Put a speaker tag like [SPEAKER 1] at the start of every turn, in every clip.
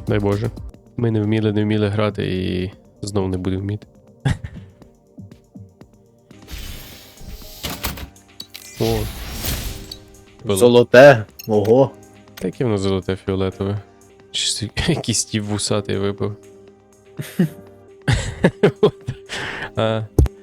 [SPEAKER 1] Дай Боже. Ми не вміли грати і знову не будемо вміти. О.
[SPEAKER 2] Золоте. Ого.
[SPEAKER 1] Таке воно золоте фіолетове. Чи якийсь стів вусатий випив. А,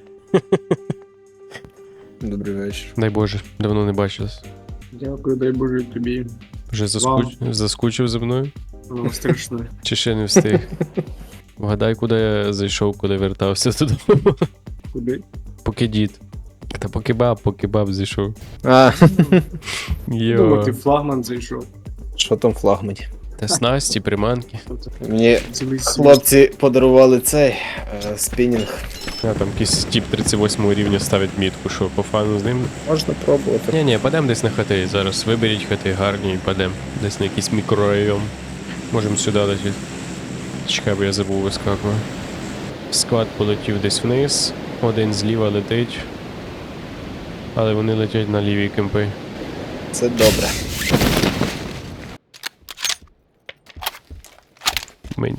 [SPEAKER 2] Добрий вечір.
[SPEAKER 1] дай Боже, давно не бачились.
[SPEAKER 3] Дякую, дай Боже тобі.
[SPEAKER 1] Вже заскучив за мною?
[SPEAKER 3] Воно страшне.
[SPEAKER 1] Чи ще не встиг? Вгадай, куди я зайшов, коли вертався додому.
[SPEAKER 3] Куди?
[SPEAKER 1] Поки дід. Та поки баб зайшов.
[SPEAKER 2] А,
[SPEAKER 3] Думав, ти
[SPEAKER 1] Йо.
[SPEAKER 3] флагман зайшов.
[SPEAKER 2] що там в флагмані?
[SPEAKER 1] Та снасті, приманки.
[SPEAKER 2] Мені
[SPEAKER 3] Цілий світ.
[SPEAKER 2] хлопці подарували цей спінінг.
[SPEAKER 1] А там якийсь тип 38 рівня ставить мітку, що по фану з ним.
[SPEAKER 2] Можна пробувати.
[SPEAKER 1] Ні, падем десь на хати зараз. Виберіть хати гарні і падем. Десь на якийсь мікрорайон. Можемо сюди летіти. Чекай, бо я забув вискакувати. Склад полетів десь вниз. Один зліва летить. Але вони летять на лівій кемпи.
[SPEAKER 2] Це добре.
[SPEAKER 1] Мені.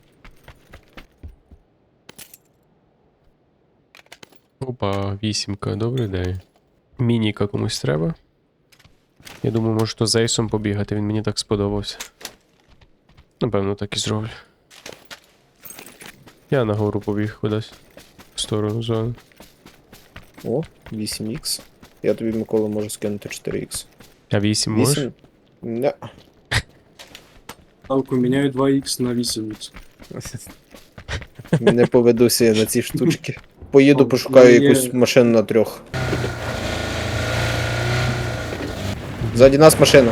[SPEAKER 1] Опа, вісімка, добрий день. Мініка комусь треба. Я думаю, може то з Ейсом побігати, він мені так сподобався. Напевно, так і зроблю. Я нагору побіг кудись. В сторону зони.
[SPEAKER 2] О, 8х. Я тобі, Микола, можу скинути 4х.
[SPEAKER 1] А 8 можеш?
[SPEAKER 2] 8? Не.
[SPEAKER 3] Ставку міняю 2х на 8х.
[SPEAKER 2] Не поведуся я на ці штучки. Поїду, пошукаю якусь машину на 3. Ззаді нас машина.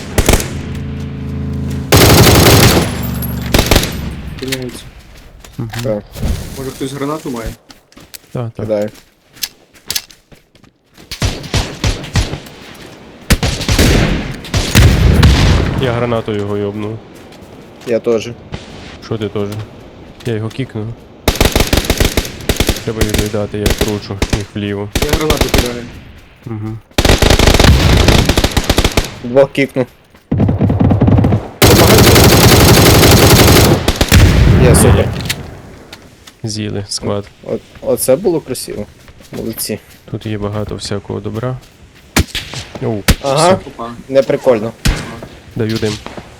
[SPEAKER 3] Міняється.
[SPEAKER 2] Так,
[SPEAKER 3] Може хтось гранату має?
[SPEAKER 1] Так, так.
[SPEAKER 2] кидаю.
[SPEAKER 1] Я гранатою його йобнув.
[SPEAKER 2] Я теж.
[SPEAKER 1] Що ти теж? Я його кікнув. Треба відповідати, я кручу їх вліво.
[SPEAKER 3] Я гранату кидаю.
[SPEAKER 1] Угу.
[SPEAKER 2] 2 кікну. Є, супер.
[SPEAKER 1] З'їли склад.
[SPEAKER 2] Оце було красиво. Молодці.
[SPEAKER 1] Тут є багато всякого добра. Оу,
[SPEAKER 2] Ага,
[SPEAKER 3] Опа.
[SPEAKER 2] не прикольно.
[SPEAKER 1] даю дим.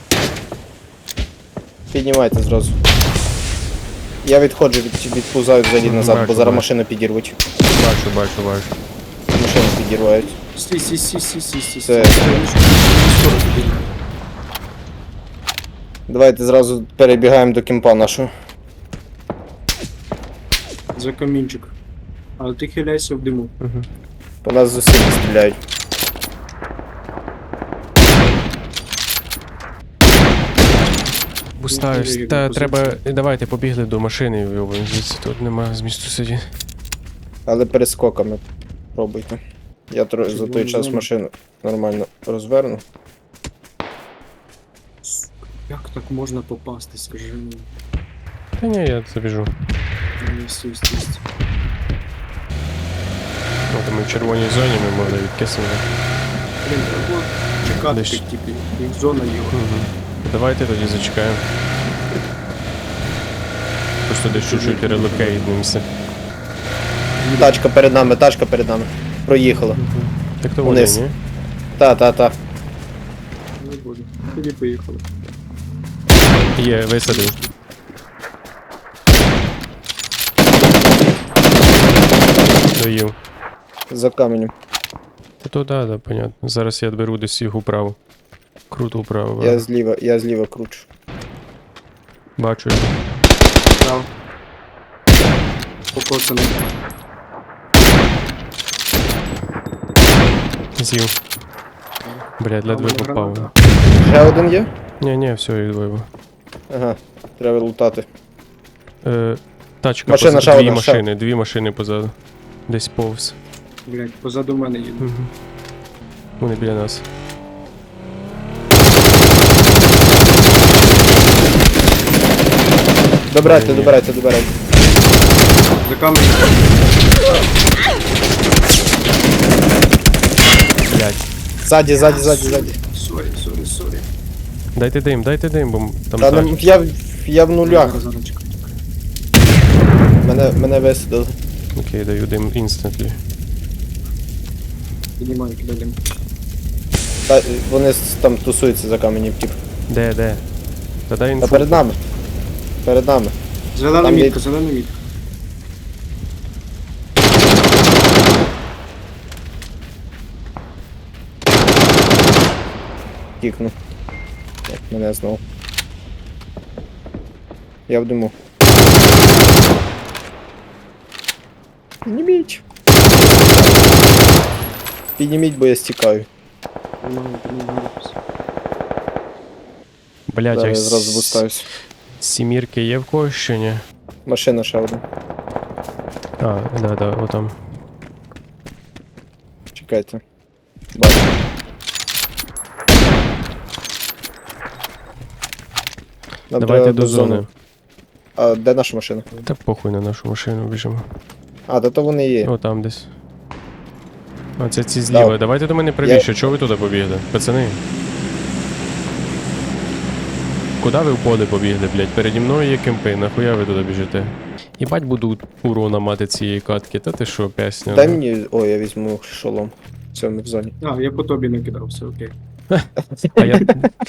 [SPEAKER 2] Піднімайте зразу. Я відходжу, відпузаю взагалі назад,
[SPEAKER 1] Бачу,
[SPEAKER 2] бо зараз
[SPEAKER 1] бачу.
[SPEAKER 2] машину підірвуть.
[SPEAKER 1] Бачу.
[SPEAKER 2] Машину підірвають.
[SPEAKER 3] Стій.
[SPEAKER 2] Це-
[SPEAKER 3] Скоро тобі.
[SPEAKER 2] Давайте зразу перебігаємо до кемпа нашого.
[SPEAKER 3] За камінчик. Але ти хиляйся в диму.
[SPEAKER 1] Угу.
[SPEAKER 2] По нас з усіх стріляють.
[SPEAKER 1] Бустаюсь.
[SPEAKER 3] Які
[SPEAKER 1] Та
[SPEAKER 3] позиції?
[SPEAKER 1] треба. Давайте побігли до машини, йобані, звідси тут нема змісту сидіти.
[SPEAKER 2] Але перескоками пробуйте. Я за той
[SPEAKER 3] Червону
[SPEAKER 2] час
[SPEAKER 3] зону.
[SPEAKER 2] машину нормально розверну.
[SPEAKER 3] Як так можна попасти, скажи мені.
[SPEAKER 1] Та ні, я забіжу.
[SPEAKER 3] Стій.
[SPEAKER 1] От ми в червоній зоні, ми могли відкиснути.
[SPEAKER 3] Блін, треба чекати,
[SPEAKER 1] Десь.
[SPEAKER 3] як типу, їх зона є.
[SPEAKER 1] Угу. Давайте тоді зачекаємо. Просто десь чуть-чуть релокейтнемося.
[SPEAKER 2] Тачка перед нами. Проїхала.
[SPEAKER 1] Так то вони,
[SPEAKER 2] Вниз.
[SPEAKER 1] ні?
[SPEAKER 2] Та.
[SPEAKER 3] Не буду. Тоді поїхали.
[SPEAKER 1] Є, висадив. Доїв.
[SPEAKER 2] За каменем.
[SPEAKER 1] Та то да, понятно. Зараз я беру десь їх управо. Круто вправо.
[SPEAKER 2] Я зліва кручу.
[SPEAKER 1] Бачу його.
[SPEAKER 3] Прав. Покоцаний.
[SPEAKER 1] З'їв. Блядь, ледве
[SPEAKER 3] Там
[SPEAKER 1] попав.
[SPEAKER 3] граната.
[SPEAKER 2] Ще один є?
[SPEAKER 1] Ні, все, відвоював.
[SPEAKER 2] Ага, треба лутати.
[SPEAKER 1] Тачка
[SPEAKER 2] Машина,
[SPEAKER 1] позаду,
[SPEAKER 2] ще
[SPEAKER 1] дві
[SPEAKER 2] одна, ще.
[SPEAKER 1] машини, дві машини позаду. Десь повз.
[SPEAKER 3] Блять, позаду мене їде.
[SPEAKER 1] Угу. Вони біля нас.
[SPEAKER 2] Добирайте.
[SPEAKER 3] За камінь.
[SPEAKER 1] Блядь.
[SPEAKER 2] Ззаді.
[SPEAKER 3] Сорі.
[SPEAKER 1] Дайте дим, бо там
[SPEAKER 2] Та
[SPEAKER 1] так.
[SPEAKER 2] я в нулях.
[SPEAKER 3] Зараз, чекай.
[SPEAKER 2] Мене висадили.
[SPEAKER 1] Окей, даю дим інстантly.
[SPEAKER 3] Піднімаю, кидай дим.
[SPEAKER 2] Та, вони там тусуються за каменем, тип.
[SPEAKER 1] Де? Та дай
[SPEAKER 2] Та
[SPEAKER 1] інфу.
[SPEAKER 2] перед нами. Перед нами.
[SPEAKER 3] Зелена
[SPEAKER 2] Там є-
[SPEAKER 3] мітка, зелена мітка.
[SPEAKER 2] Кікну. Так, мене знову. Я в диму. Підніміть. Підніміть, бо я стікаю.
[SPEAKER 3] Піднімаю.
[SPEAKER 1] Блять,
[SPEAKER 2] Зараз
[SPEAKER 1] а
[SPEAKER 2] я зразу бустаюсь.
[SPEAKER 1] сімірки є в когось ще ні?
[SPEAKER 2] Машина ще одна.
[SPEAKER 1] А, да, отам.
[SPEAKER 2] Чекайте. Бачу. Нам
[SPEAKER 1] Давайте
[SPEAKER 2] треба
[SPEAKER 1] до зони.
[SPEAKER 2] А де наша машина?
[SPEAKER 1] Та похуй на нашу машину біжимо.
[SPEAKER 2] А, то вони є.
[SPEAKER 1] О, там десь. А це ці зліва.
[SPEAKER 2] Да.
[SPEAKER 1] Давайте до мене правіше. Чого ви туди побігли? Пацани. Куди ви в поле побігли, блять? Переді мною є кемпи, нахуя ви туди біжите? Їбать буду урона мати цієї катки, та ти що, песня?
[SPEAKER 2] Дай мені. О, я візьму шолом. Все, ми в зоні.
[SPEAKER 3] А, я по тобі не кидав, все окей.
[SPEAKER 1] А я...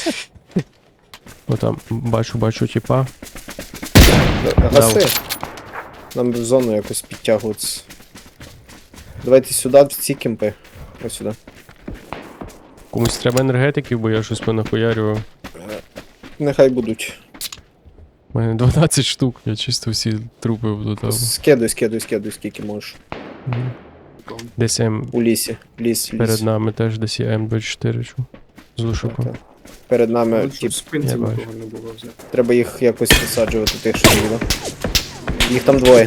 [SPEAKER 1] О, там, бачу, типа.
[SPEAKER 2] Гаси. Нам в зону якось підтягуватися. Давайте сюди, в ці кемпи. Ось сюди.
[SPEAKER 1] Комусь треба енергетиків, бо я щось понахуярював.
[SPEAKER 2] Нехай будуть.
[SPEAKER 1] У мене 12 штук, я чисто всі трупи влутав.
[SPEAKER 2] Скидуй, скільки можеш.
[SPEAKER 1] Десь М
[SPEAKER 2] У лісі. Ліс.
[SPEAKER 1] перед нами теж десь є М24 чу. З лушуком.
[SPEAKER 2] Так. Перед нами
[SPEAKER 3] Тут
[SPEAKER 2] тип,
[SPEAKER 3] в спинці
[SPEAKER 1] я бачу.
[SPEAKER 3] нікого не було взяти.
[SPEAKER 2] треба їх якось висаджувати, тих, що не було. Їх там двоє.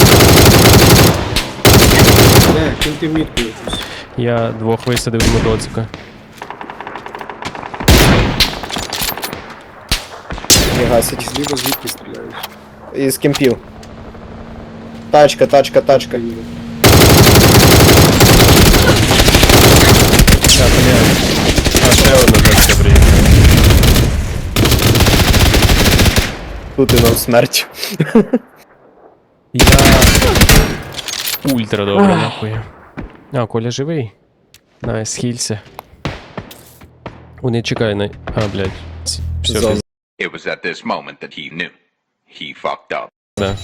[SPEAKER 3] Де, киньте мітку якусь.
[SPEAKER 1] Я двох висадив з мотоцика.
[SPEAKER 2] Не гасять.
[SPEAKER 3] Зліва звідки стріляють.
[SPEAKER 2] Із кемпів. Тачка.
[SPEAKER 1] Та, блядь. А ще одна тачка приїхала.
[SPEAKER 2] Тут і нам смерть.
[SPEAKER 1] Я... Ультра добре, нахуй. А, Коля живий? Найс, хілься. Вони чекай на... А, блядь. Все,
[SPEAKER 2] Зон.
[SPEAKER 4] It was at this moment that he knew. He fucked up.
[SPEAKER 1] да.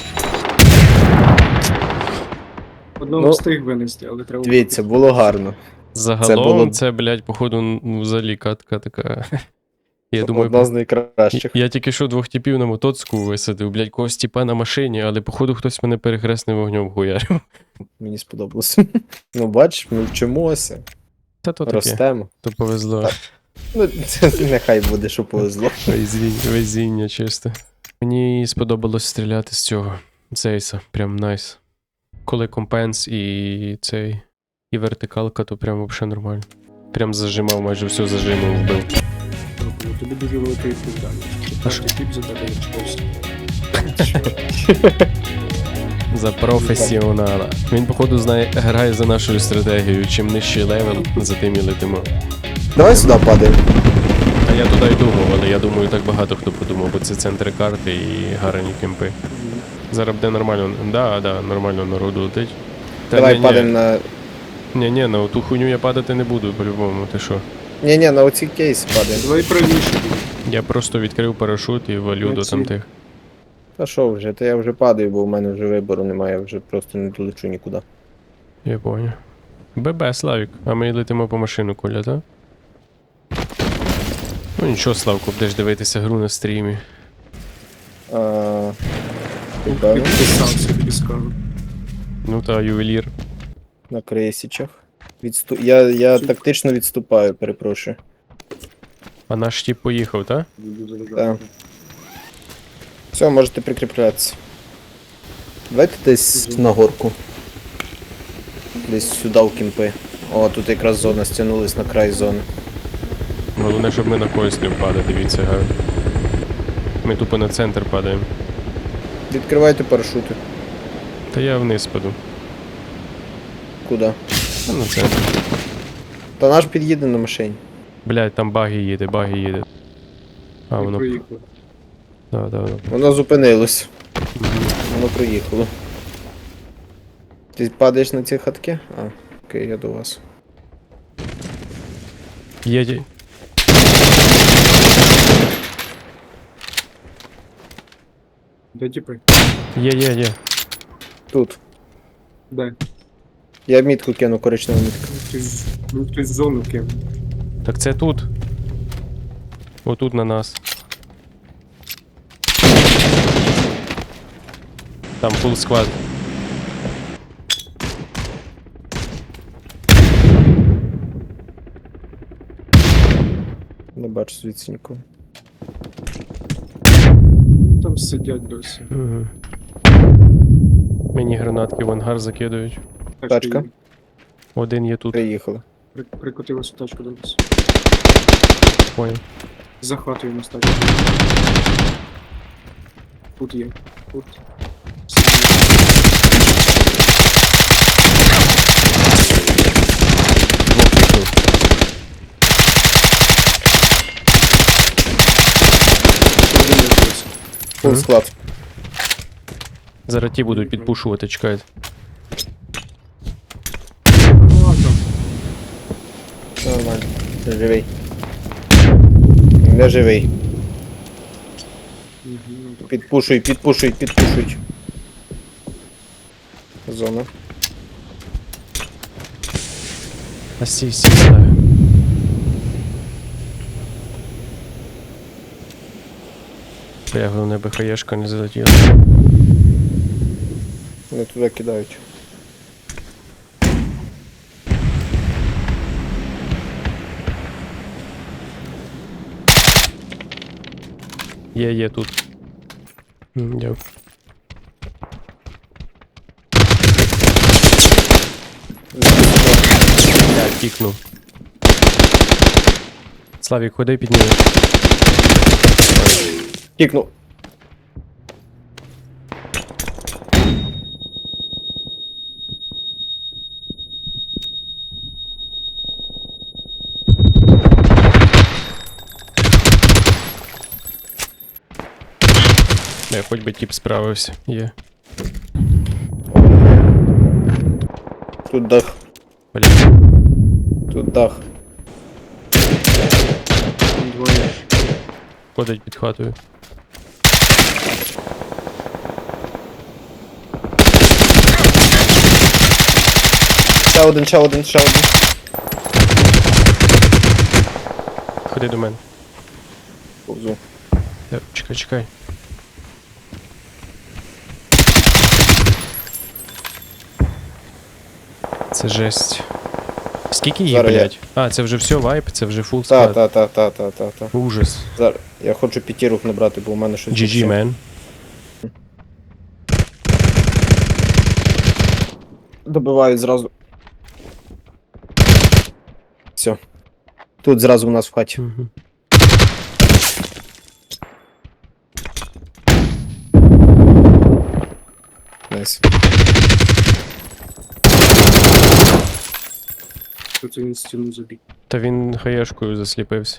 [SPEAKER 3] Одного
[SPEAKER 2] Ну,
[SPEAKER 3] встиг винести, але треба...
[SPEAKER 2] Дивіться, було гарно.
[SPEAKER 1] Загалом це,
[SPEAKER 2] було-
[SPEAKER 1] блядь, походу, ну, взагалі катка така. Я
[SPEAKER 2] Одна
[SPEAKER 1] думаю,
[SPEAKER 2] з найкращих.
[SPEAKER 1] я тільки що двох типів на мотоцику висадив, блядь, когось типа на машині, але походу хтось мене перехресним вогнем хуярив.
[SPEAKER 2] Мені сподобалось. Ну, бач, ми вчимося,
[SPEAKER 1] Та то таке,
[SPEAKER 2] ростемо.
[SPEAKER 1] то повезло.
[SPEAKER 2] Ну, нехай буде, що повезло.
[SPEAKER 1] Везіння чисто. Мені сподобалось стріляти з цього. Зейса, прям найс. Коли компенс і цей. І вертикалка, то прям вообще нормально. Прям зажимав, майже все зажимом вбив.
[SPEAKER 3] Дякую, тобі дуже велика відповідальність.
[SPEAKER 1] А що?
[SPEAKER 3] Четвертий тип за тебе відчувався.
[SPEAKER 1] За професіонала. Він, походу, знає, грає за нашою стратегією. Чим нижчий левел, за тим і летимо.
[SPEAKER 2] Давай сюди падаємо.
[SPEAKER 1] А я туди й думав, але я думаю, так багато хто подумав, бо це центри карти і гарні кемпи. Зараз буде нормально. Да, нормально народу летить. Та
[SPEAKER 2] Давай
[SPEAKER 1] ні-ні.
[SPEAKER 2] падаємо на.
[SPEAKER 1] Ні, на ту хуйню я падати не буду, по-любому, ти що?
[SPEAKER 2] Ні, на оці кейси падаємо.
[SPEAKER 3] Давай правіше.
[SPEAKER 1] Я просто відкрив парашут і валю до
[SPEAKER 3] Молодці.
[SPEAKER 1] там тих.
[SPEAKER 2] Та що вже, та я вже падаю, бо у мене вже вибору немає, я вже просто не долечу нікуди.
[SPEAKER 1] Я понял. ББ, Славік. А ми летимо по машину, Коля, так? Ну нічого, Славко, будеш дивитися гру на стрімі.
[SPEAKER 2] Ти певний?
[SPEAKER 3] Підписався, тобі скажу.
[SPEAKER 1] Ну та ювелір.
[SPEAKER 2] На крейсічах. Я тактично відступаю, перепрошую.
[SPEAKER 1] А наш тип поїхав, так?
[SPEAKER 3] Буду
[SPEAKER 2] Так.
[SPEAKER 3] заважати.
[SPEAKER 2] Все, можете прикріплятися. Давайте десь на горку. Десь сюди в кімпи. О, тут якраз зона стягнулась на край зони.
[SPEAKER 1] Головне, щоб ми на когось не впали, дивіться, га. Ми тупо на центр падаємо.
[SPEAKER 2] Відкривайте парашути.
[SPEAKER 1] Та я вниз паду.
[SPEAKER 2] Куди?
[SPEAKER 1] А на центр.
[SPEAKER 2] Та наш під'їде на машині.
[SPEAKER 1] Блядь, там баги їде. А,
[SPEAKER 3] І
[SPEAKER 1] воно.
[SPEAKER 3] проїхали.
[SPEAKER 1] Да.
[SPEAKER 2] Воно зупинилось. Воно проїхало. Ти падаєш на ці хатки? А, окей, я до вас.
[SPEAKER 1] Є.
[SPEAKER 3] Де типи?
[SPEAKER 1] Є.
[SPEAKER 2] Тут.
[SPEAKER 3] Де?
[SPEAKER 2] Я мітку кину, коричневу мітку.
[SPEAKER 3] Хтось в зону кинув.
[SPEAKER 1] Так це тут. Отут на нас. Там фул склад.
[SPEAKER 2] Не бачу звідси нікого.
[SPEAKER 3] Вони там сидять досі.
[SPEAKER 1] Угу. Мені гранатки в ангар закидують.
[SPEAKER 2] Тачка.
[SPEAKER 1] Один є тут.
[SPEAKER 2] Приїхали.
[SPEAKER 3] Прикотилася тачка до нас.
[SPEAKER 1] Понял.
[SPEAKER 3] Захватуємо нас тачку. Тут є. Тут.
[SPEAKER 1] Двох пішов.
[SPEAKER 3] Один лишився.
[SPEAKER 2] Фул склад.
[SPEAKER 1] Зараз ті будуть підпушувати, чекають.
[SPEAKER 3] Ладно.
[SPEAKER 2] Все нормально. Ти живий. Не живий.
[SPEAKER 3] Мгм.
[SPEAKER 2] Підпушуй. Зона.
[SPEAKER 1] А сі сідаю. Бля, головне БХЄшка не залетіла.
[SPEAKER 2] Вони туди кидають.
[SPEAKER 1] Є тут. Дякую. Я кікнув. Славік, ходи підніми.
[SPEAKER 2] Кікнув.
[SPEAKER 1] Не, хоч би тіп справився. Є.
[SPEAKER 2] Тут дах.
[SPEAKER 1] Бля.
[SPEAKER 2] Тут дах.
[SPEAKER 3] Там двоє.
[SPEAKER 1] Ходить під хатою.
[SPEAKER 2] Ще один.
[SPEAKER 1] Ходи до мене.
[SPEAKER 2] Повзу.
[SPEAKER 1] Чекай. Це жесть. Скільки їх,
[SPEAKER 2] Зараз я-
[SPEAKER 1] блядь? А, це вже все, вайп, це вже фул склад.
[SPEAKER 2] Та.
[SPEAKER 1] Ужас.
[SPEAKER 2] Зараз. Я хочу п'ятірок набрати, бо у мене щось.
[SPEAKER 1] GG, man.
[SPEAKER 2] Добивають зразу. Все. Тут зразу у нас в хаті.
[SPEAKER 1] Мгм.
[SPEAKER 2] Найс.
[SPEAKER 3] Тут він стіну забіг.
[SPEAKER 1] Та він хаєшкою засліпився.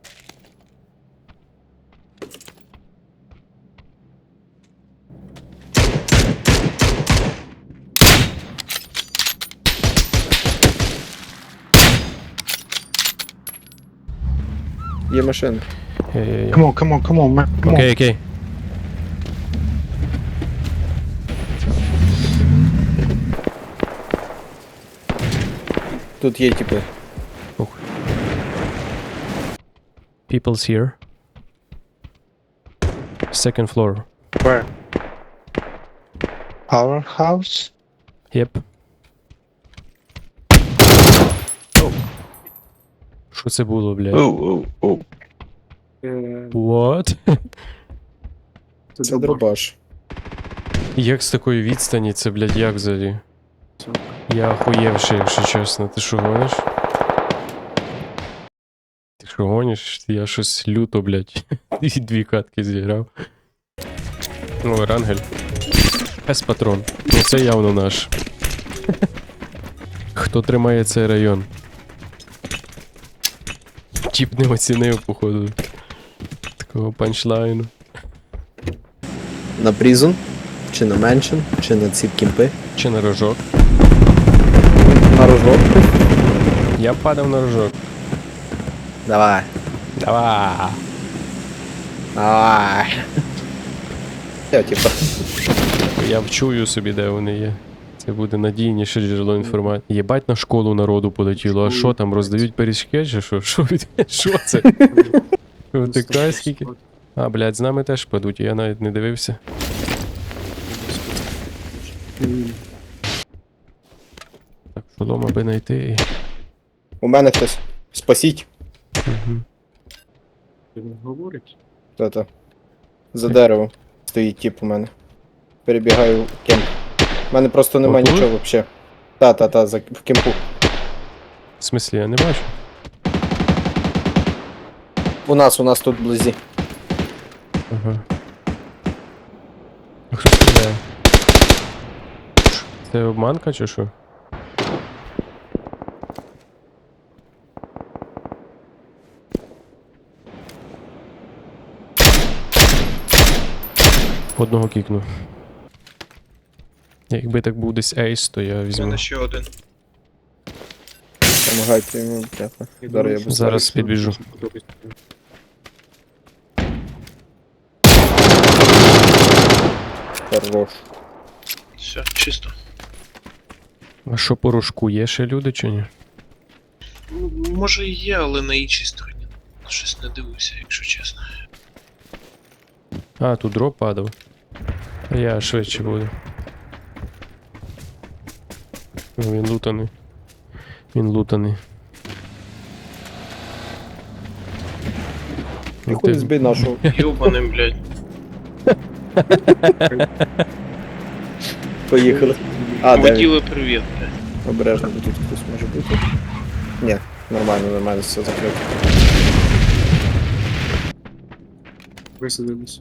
[SPEAKER 2] Є машина.
[SPEAKER 5] Come on, man. Come on.
[SPEAKER 1] Окей.
[SPEAKER 2] Тут є типи.
[SPEAKER 1] People's here. Second floor.
[SPEAKER 5] Where? Our house?
[SPEAKER 1] Yep. Що це було, блядь?
[SPEAKER 5] Oh.
[SPEAKER 1] What?
[SPEAKER 2] Це дробаш.
[SPEAKER 1] Як з такої відстані це, блядь, як взагалі? Я охуєвши, якщо чесно. Ти що гониш? Ти що гониш? Я щось люто, блядь. І дві катки зіграв. О, Рангель. С-патрон. Ну це явно наш. Хто тримає цей район? Чіп не оцінив, походу. Такого панчлайну.
[SPEAKER 2] На призон? Чи на меншин? Чи на ці кімпи?
[SPEAKER 1] Чи на рожок?
[SPEAKER 2] На рожок?
[SPEAKER 1] Я б падав на рожок.
[SPEAKER 2] Давай.
[SPEAKER 1] Давай.
[SPEAKER 2] Давай. Я типа.
[SPEAKER 1] Я вчую собі, де вони є. Це буде надійніше джерело інформації. Єбать на школу народу полетіло. А що там, роздають пиріжки чи що? Що це? Втикай скільки? А, блядь, з нами теж падуть, я навіть не дивився. Так, шолом аби знайти.
[SPEAKER 2] У мене хтось. Спасіть.
[SPEAKER 1] Угу.
[SPEAKER 3] Він говорить.
[SPEAKER 2] Та-та. За деревом стоїть тип у мене. Перебігаю в кемп. У мене просто нема
[SPEAKER 1] Отут?
[SPEAKER 2] нічого взагалі. Та, в кемпу.
[SPEAKER 1] В смислі, я не бачу.
[SPEAKER 2] У нас тут вблизі.
[SPEAKER 1] Ага. А хто стріляє? Це обманка чи що? Одного кікну. Якби так був десь ейс, то я
[SPEAKER 6] У
[SPEAKER 1] візьму.
[SPEAKER 6] мене ще один.
[SPEAKER 2] Помагайте йому, бляха. Зараз я буду.
[SPEAKER 1] Зараз підбіжу.
[SPEAKER 2] Хорош.
[SPEAKER 6] Все, чисто.
[SPEAKER 1] А що по рожку, є ще люди чи ні?
[SPEAKER 6] Ну, може і є, але на іншій стороні. Щось не дивився, якщо чесно.
[SPEAKER 1] А, тут дроп падав. А я швидше буду. Ну, він лутаний. Він лутаний. Ну,
[SPEAKER 2] Хуй збий нашу.
[SPEAKER 6] Йобаним, блядь.
[SPEAKER 2] Поїхали. А, де він?
[SPEAKER 6] Воділи привіт, блядь.
[SPEAKER 2] Обережно, бо тут хтось може бути. Ні, нормально, все закрито.
[SPEAKER 3] Висадились.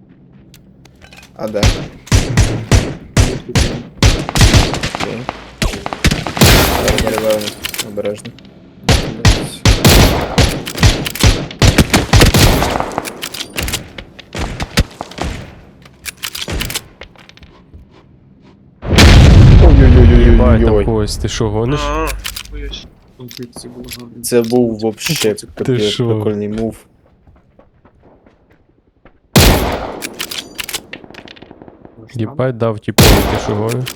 [SPEAKER 2] А де? Окей. Зараз зариваємо. Обережно.
[SPEAKER 1] Єбать, там
[SPEAKER 2] Ой-ой-ой.
[SPEAKER 1] когось, ти що гониш?
[SPEAKER 6] А, хуясь.
[SPEAKER 3] Конфлікт було гарно.
[SPEAKER 2] Це був вообще капець
[SPEAKER 1] що?
[SPEAKER 2] прикольний мув.
[SPEAKER 1] Єбать дав тіпові, ти що гониш?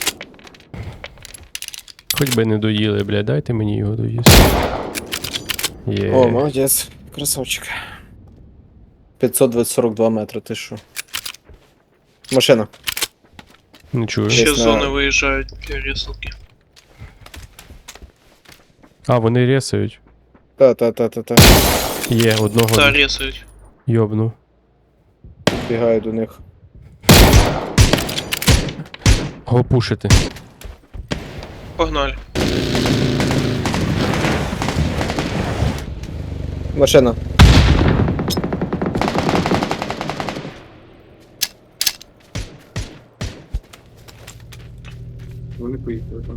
[SPEAKER 1] Хоч би не доїли, блядь, дайте мені його доїсти. Є.
[SPEAKER 2] О, молодець. Красавчик. 542 метри, ти що? Машина.
[SPEAKER 1] Не чую.
[SPEAKER 6] Ще
[SPEAKER 2] Десь
[SPEAKER 6] з
[SPEAKER 2] на-
[SPEAKER 6] зони виїжджають для рісалки.
[SPEAKER 1] А, вони ресають.
[SPEAKER 2] Та.
[SPEAKER 1] Є, одного
[SPEAKER 6] Та, рісають.
[SPEAKER 1] йобну.
[SPEAKER 2] Бігаю до них.
[SPEAKER 1] Го пушити.
[SPEAKER 6] Погнали.
[SPEAKER 2] Машина.
[SPEAKER 3] Вони поїхали там.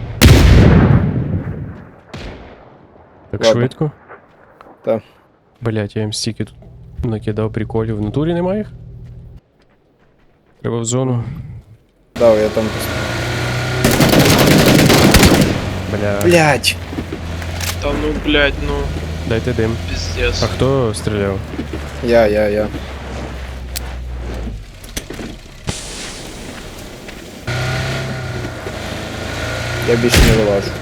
[SPEAKER 1] Так
[SPEAKER 2] Ладно.
[SPEAKER 1] швидко?
[SPEAKER 2] Та.
[SPEAKER 1] Блять, я їм стільки тут накидав приколів. В натурі немає їх? Треба в зону.
[SPEAKER 2] Да, я там.
[SPEAKER 1] Бля.
[SPEAKER 2] Блять!
[SPEAKER 6] Та ну, блядь, ну,
[SPEAKER 1] Дайте дим.
[SPEAKER 6] пиздец.
[SPEAKER 1] А хто стріляв?
[SPEAKER 2] Я. Я більше не вилажу.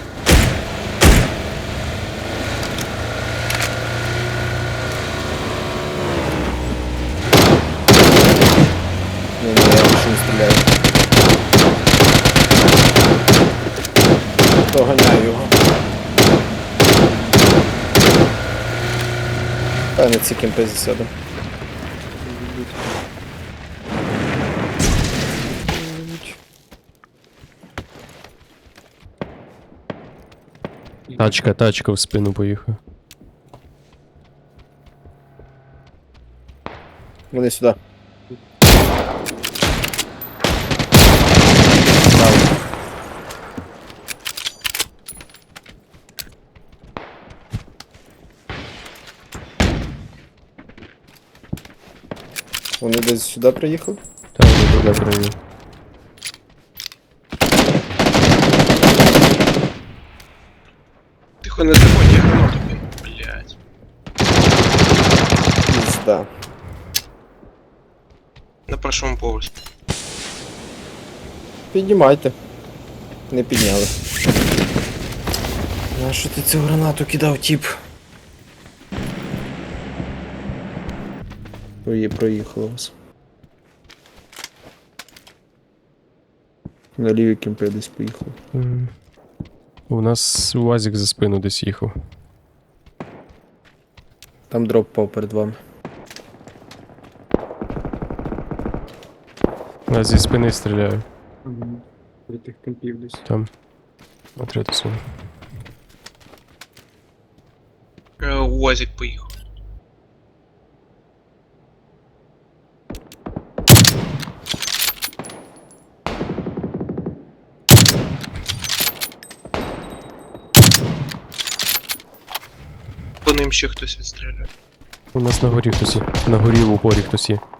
[SPEAKER 2] Ні, я більше не стріляю. Доганяю його. Та не ці кемпи засяду.
[SPEAKER 1] Тачка в спину поїхав.
[SPEAKER 2] Вони сюди. Вони десь сюди приїхали?
[SPEAKER 1] Там не туди прийняв.
[SPEAKER 6] Тихо, не заходь, я гранату кину. Блять.
[SPEAKER 2] Пізда.
[SPEAKER 6] На першому поверсі.
[SPEAKER 2] Піднімайте. Не підняли. А що ти цю гранату кидав, тіп? Проїхало вас. На лівій кімпи десь поїхав.
[SPEAKER 1] У нас УАЗик за спину десь їхав.
[SPEAKER 2] Там дроп пав перед вами.
[SPEAKER 1] Я зі спини стріляю.
[SPEAKER 3] Ага. При тих кемпів десь.
[SPEAKER 1] Там. На трету свою.
[SPEAKER 6] УАЗик поїхав. По ним ще хтось відстріляє.
[SPEAKER 1] У нас на горі хтось є. На горі в упорі хтось є.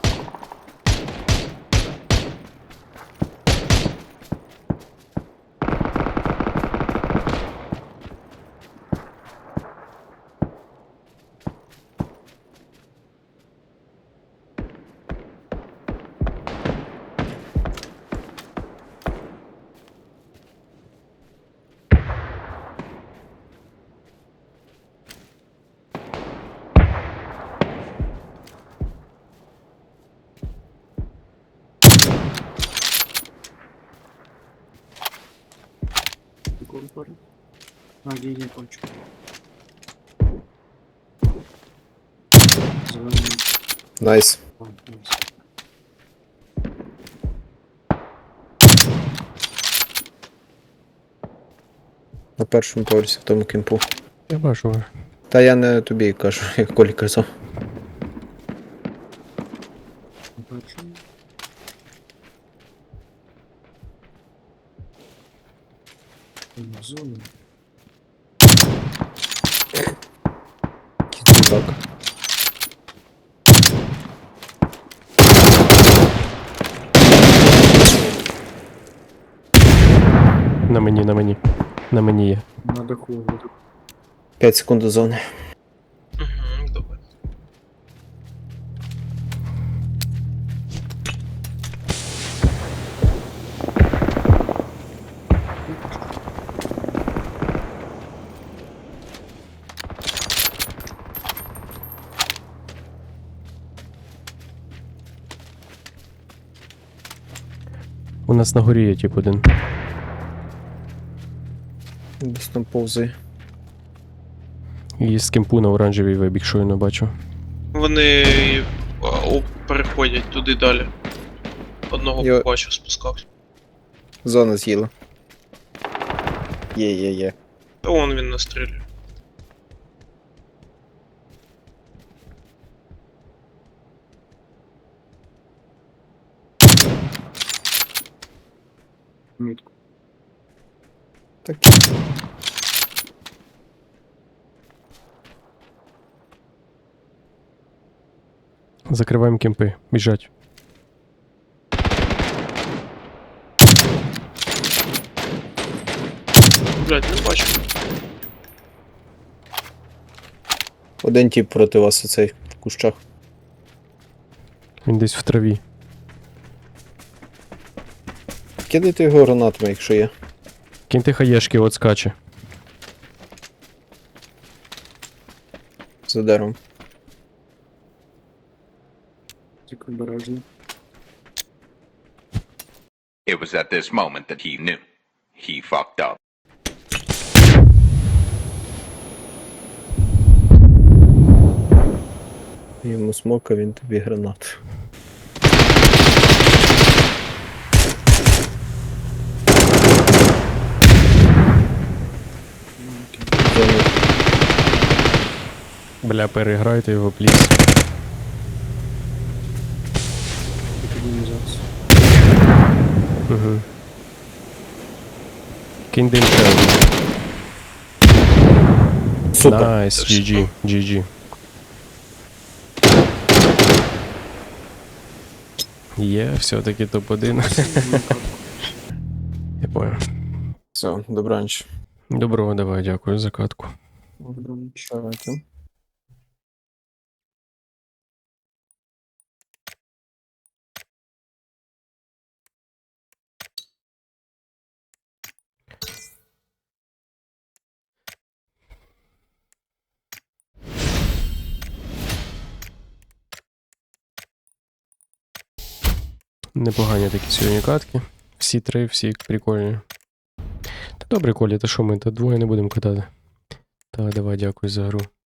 [SPEAKER 3] Такого пару. А, є, бачу. Зелений.
[SPEAKER 2] Найс.
[SPEAKER 3] А, найс.
[SPEAKER 2] На першому поверсі в тому кемпу.
[SPEAKER 1] Я бачу.
[SPEAKER 2] Та я не тобі кажу, як Колі казав.
[SPEAKER 3] Бачу. Зону.
[SPEAKER 2] Так.
[SPEAKER 1] На мені, на мені. На мені є.
[SPEAKER 3] На даху.
[SPEAKER 2] 5 секунд до зони.
[SPEAKER 6] Угу, добре.
[SPEAKER 1] У нас на горі є тип один.
[SPEAKER 2] Десь там повзає.
[SPEAKER 1] І з кемпу на оранжевій вибіг, що я не бачу.
[SPEAKER 6] Вони переходять туди далі. Одного
[SPEAKER 2] Йо.
[SPEAKER 6] побачив, спускався.
[SPEAKER 2] Зона з'їла. Є.
[SPEAKER 6] Та вон він настрілює.
[SPEAKER 3] Мітку.
[SPEAKER 2] Так.
[SPEAKER 1] Закриваємо кемпи. Біжать.
[SPEAKER 6] Блять, не бачу.
[SPEAKER 2] Один тип проти вас оцей в кущах.
[SPEAKER 1] Він десь в траві.
[SPEAKER 2] Кидайте його гранатами, якщо є.
[SPEAKER 1] Киньте хаєшки, от скаче.
[SPEAKER 2] За деревом.
[SPEAKER 3] Тільки обережно.
[SPEAKER 4] It was at this moment that he knew. He fucked up.
[SPEAKER 2] Йому смока, він тобі гранат. Зона.
[SPEAKER 1] Бля, переграйте його, пліс.
[SPEAKER 3] Тільки не зараз.
[SPEAKER 1] Угу. Кинь дим ще один.
[SPEAKER 2] Супер.
[SPEAKER 1] Найс, GG, GG. Є, все-таки топ-1. Я понял.
[SPEAKER 2] Все, добраніч.
[SPEAKER 1] Доброго, давай, дякую за катку.
[SPEAKER 2] Давайте.
[SPEAKER 1] Непогані такі сьогодні катки. Всі три, всі прикольні. Та добре, Коля, та що ми, та двоє не будемо катати. Так, давай, дякую за гру.